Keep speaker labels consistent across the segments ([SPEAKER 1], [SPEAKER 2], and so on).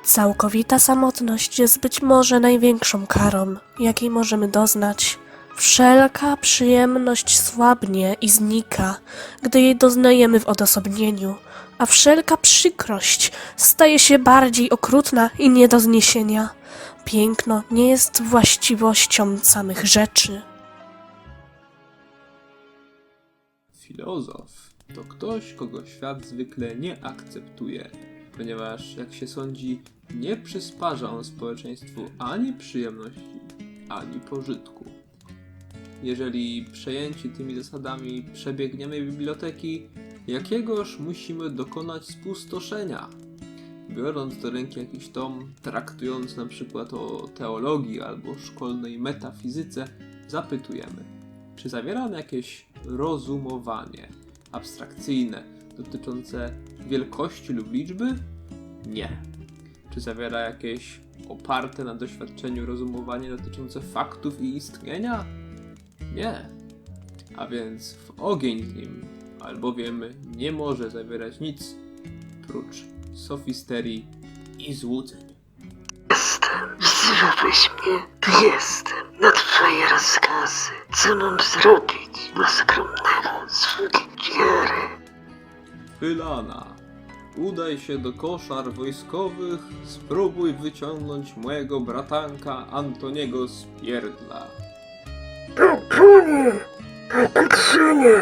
[SPEAKER 1] Całkowita samotność jest być może największą karą, jakiej możemy doznać. Wszelka przyjemność słabnie i znika, gdy jej doznajemy w odosobnieniu, a wszelka przykrość staje się bardziej okrutna i nie do zniesienia. Piękno nie jest właściwością samych rzeczy.
[SPEAKER 2] Filozof to ktoś, kogo świat zwykle nie akceptuje, ponieważ, jak się sądzi, nie przysparza on społeczeństwu ani przyjemności, ani pożytku. Jeżeli przejęci tymi zasadami przebiegniemy biblioteki, jakiegoż musimy dokonać spustoszenia? Biorąc do ręki jakiś tom, traktując na przykład o teologii albo szkolnej metafizyce, zapytujemy, czy zawiera on jakieś rozumowanie abstrakcyjne dotyczące wielkości lub liczby? Nie. Czy zawiera jakieś oparte na doświadczeniu rozumowanie dotyczące faktów i istnienia? Nie. A więc w ogień w nim, albowiem nie może zawierać nic prócz sofisterii i złudzeń.
[SPEAKER 3] Jestem, wzywasz mnie, to jestem, na twoje rozkazy. Co mam zrobić dla skromnego sługi wiary?
[SPEAKER 2] Wylana, udaj się do koszar wojskowych, spróbuj wyciągnąć mojego bratanka Antoniego z pierdla.
[SPEAKER 3] Panie, Piotrzynie!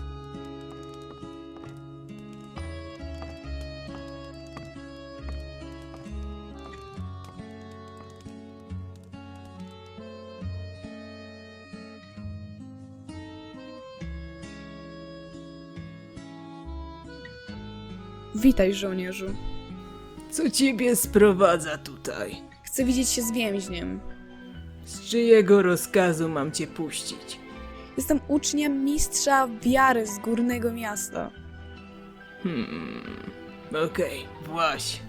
[SPEAKER 4] Witaj, żołnierzu.
[SPEAKER 5] Co ciebie sprowadza tutaj?
[SPEAKER 4] Chcę widzieć się z więźniem.
[SPEAKER 5] Z czyjego rozkazu mam cię puścić?
[SPEAKER 4] Jestem uczniem mistrza wiary z górnego miasta.
[SPEAKER 5] Okej, właź.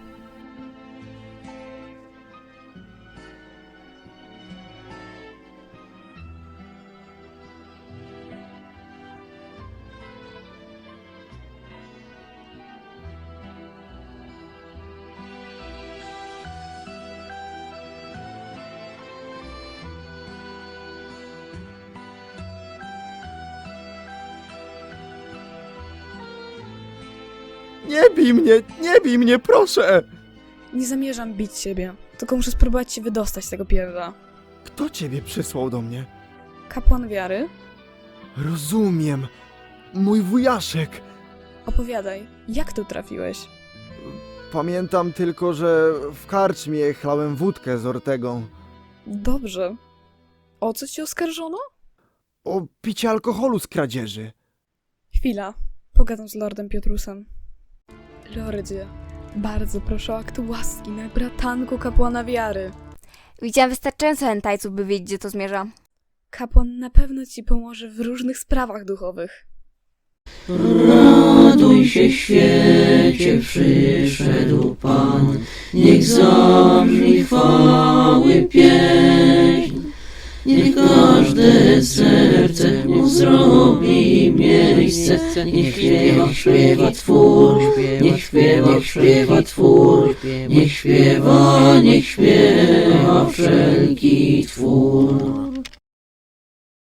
[SPEAKER 6] Nie bij mnie, proszę!
[SPEAKER 4] Nie zamierzam bić ciebie, tylko muszę spróbować się wydostać z tego pierdla.
[SPEAKER 6] Kto ciebie przysłał do mnie?
[SPEAKER 4] Kapłan wiary?
[SPEAKER 6] Rozumiem. Mój wujaszek.
[SPEAKER 4] Opowiadaj, jak tu trafiłeś?
[SPEAKER 6] Pamiętam tylko, że w karczmie chlałem wódkę z Ortegą.
[SPEAKER 4] Dobrze. O co ci oskarżono?
[SPEAKER 6] O picie alkoholu z kradzieży.
[SPEAKER 4] Chwila, pogadam z lordem Piotrusem. Lordzie, bardzo proszę o akt łaski na bratanku kapłana wiary.
[SPEAKER 7] Widziałam wystarczająco hentajców, by wiedzieć, gdzie to zmierza.
[SPEAKER 4] Kapłan na pewno ci pomoże w różnych sprawach duchowych.
[SPEAKER 8] Raduj się, świecie, przyszedł Pan, niech zabrzmi chwały pieśń. Niech każde serce mu zrobi miejsce, niech śpiewa Twór, niech śpiewa Twór, niech śpiewa wszelki Twór.